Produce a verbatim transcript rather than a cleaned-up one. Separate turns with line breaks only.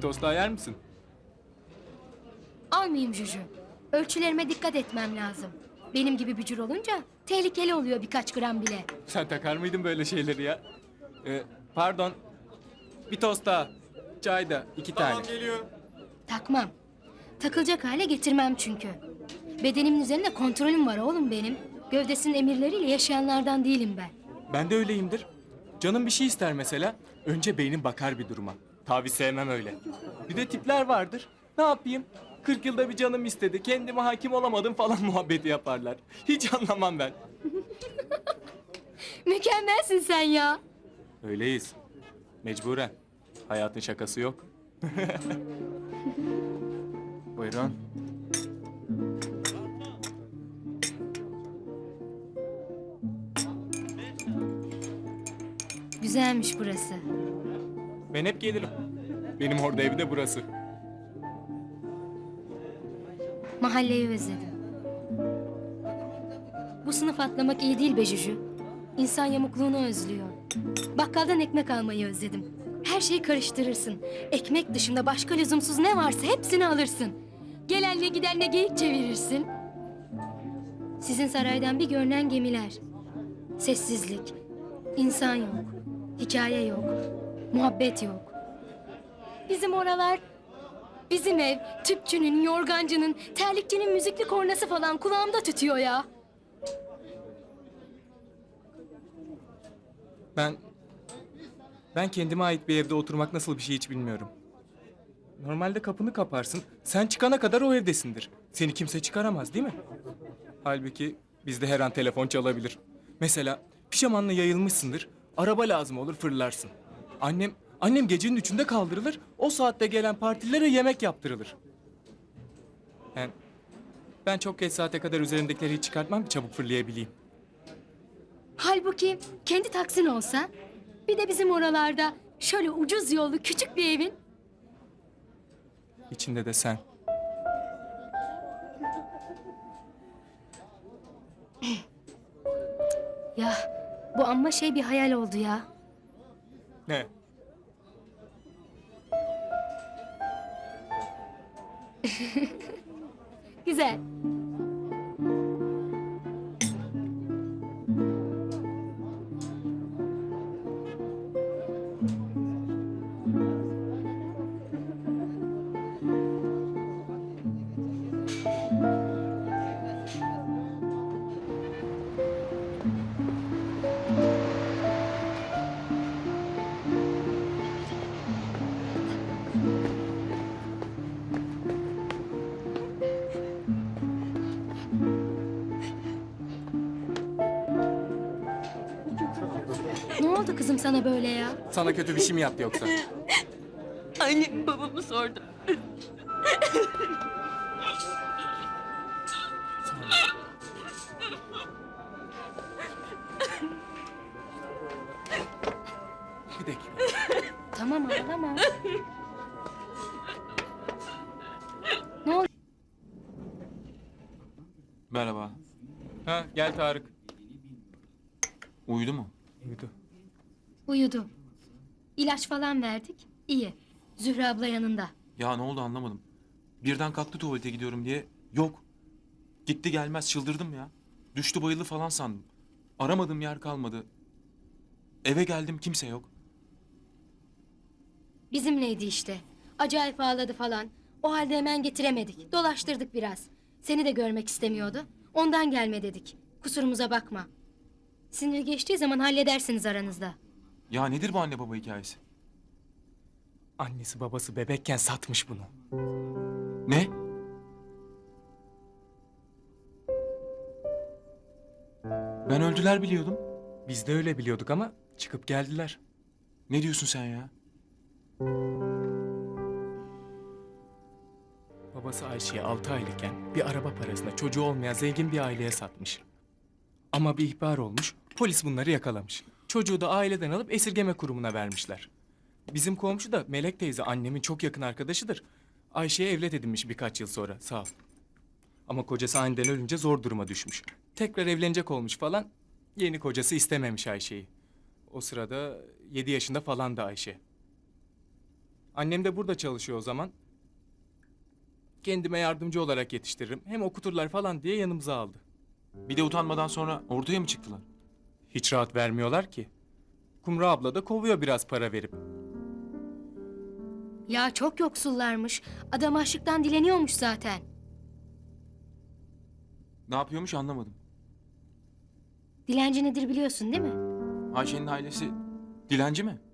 tost daha yer misin?
Almayayım Juju. Ölçülerime dikkat etmem lazım. Benim gibi bücür olunca tehlikeli oluyor birkaç gram bile.
Sen takar mıydın böyle şeyleri ya? Ee, pardon. Bir tost daha. Çay da iki tane.
Tamam geliyor.
Takmam. Takılacak hale getirmem çünkü. Bedenimin üzerinde kontrolüm var oğlum benim. Gövdesinin emirleriyle yaşayanlardan değilim ben.
Ben de öyleyimdir. Canım bir şey ister mesela. Önce beynim bakar bir duruma. Tabii sevmem öyle. Bir de tipler vardır. Ne yapayım? Kırk yılda bir canım istedi. Kendime hakim olamadım falan muhabbeti yaparlar. Hiç anlamam ben.
Mükemmelsin sen ya.
Öyleyiz. Mecburen. Hayatın şakası yok. Buyurun.
Güzelmiş burası.
Ben hep gelirim. Benim orada evi de burası.
Mahalleyi özledim. Bu sınıf atlamak iyi değil be Juju. İnsan yamukluğunu özlüyor. Bakkaldan ekmek almayı özledim. Her şeyi karıştırırsın. Ekmek dışında başka lüzumsuz ne varsa hepsini alırsın. Gelenle gidenle geyik çevirirsin. Sizin saraydan bir görünen gemiler. Sessizlik. İnsan yok. Hikaye yok. Muhabbet yok. Bizim oralar... Bizim ev, tüpçünün, yorgancının, terlikçinin müzikli kornası falan kulağımda tütüyor ya.
Ben... Ben kendime ait bir evde oturmak nasıl bir şey hiç bilmiyorum. Normalde kapını kaparsın, sen çıkana kadar o evdesindir. Seni kimse çıkaramaz değil mi? Halbuki bizde her an telefon çalabilir. Mesela pijamanla yayılmışsındır, araba lazım olur fırlarsın. Annem, annem gecenin üçünde kaldırılır, o saatte gelen partilere yemek yaptırılır. Ben, ben çok geç saate kadar üzerimdekileri hiç çıkartmam ki çabuk fırlayabileyim.
Halbuki kendi taksin olsa, bir de bizim oralarda şöyle ucuz yollu küçük bir evin.
İçinde de sen.
Ya bu amma şey bir hayal oldu ya.
Ne?
Güzel. Ne oldu kızım sana böyle ya?
Sana kötü bir şey mi yaptı yoksa?
Annem babamı sordu.
Bir dakika.
Tamam ağlama. Ne oldu?
Merhaba.
Ha gel Tarık.
Uyudu mu?
Uyudu.
Uyudu. İlaç falan verdik. İyi. Zühre abla yanında.
Ya ne oldu anlamadım. Birden kalktı tuvalete gidiyorum diye. Yok. Gitti gelmez çıldırdım ya. Düştü bayıldı falan sandım. Aramadığım yer kalmadı. Eve geldim kimse yok.
Bizimleydi işte. Acayip ağladı falan. O halde hemen getiremedik. Dolaştırdık biraz. Seni de görmek istemiyordu. Ondan gelme dedik. Kusurumuza bakma. Sinir geçtiği zaman halledersiniz aranızda.
Ya nedir bu anne baba hikayesi?
Annesi babası bebekken satmış bunu.
Ne? Ben öldüler biliyordum.
Biz de öyle biliyorduk ama çıkıp geldiler.
Ne diyorsun sen ya?
Babası Ayşe'ye altı aylıkken bir araba parasına çocuğu olmayan zengin bir aileye satmış. Ama bir ihbar olmuş, polis bunları yakalamış. Çocuğu da aileden alıp esirgeme kurumuna vermişler. Bizim komşu da Melek teyze annemin çok yakın arkadaşıdır. Ayşe'ye evlat edinmiş birkaç yıl sonra, sağ ol. Ama kocası aniden ölünce zor duruma düşmüş. Tekrar evlenecek olmuş falan, yeni kocası istememiş Ayşe'yi. O sırada yedi yaşında falan da Ayşe. Annem de burada çalışıyor o zaman. Kendime yardımcı olarak yetiştiririm. Hem okuturlar falan diye yanımıza aldı.
Bir de utanmadan sonra ortaya mı çıktılar?
Hiç rahat vermiyorlar ki. Kumru abla da kovuyor biraz para verip.
Ya çok yoksullarmış. Adam açlıktan dileniyormuş zaten.
Ne yapıyormuş anlamadım.
Dilenci nedir biliyorsun değil mi?
Ayşe'nin ailesi dilenci mi?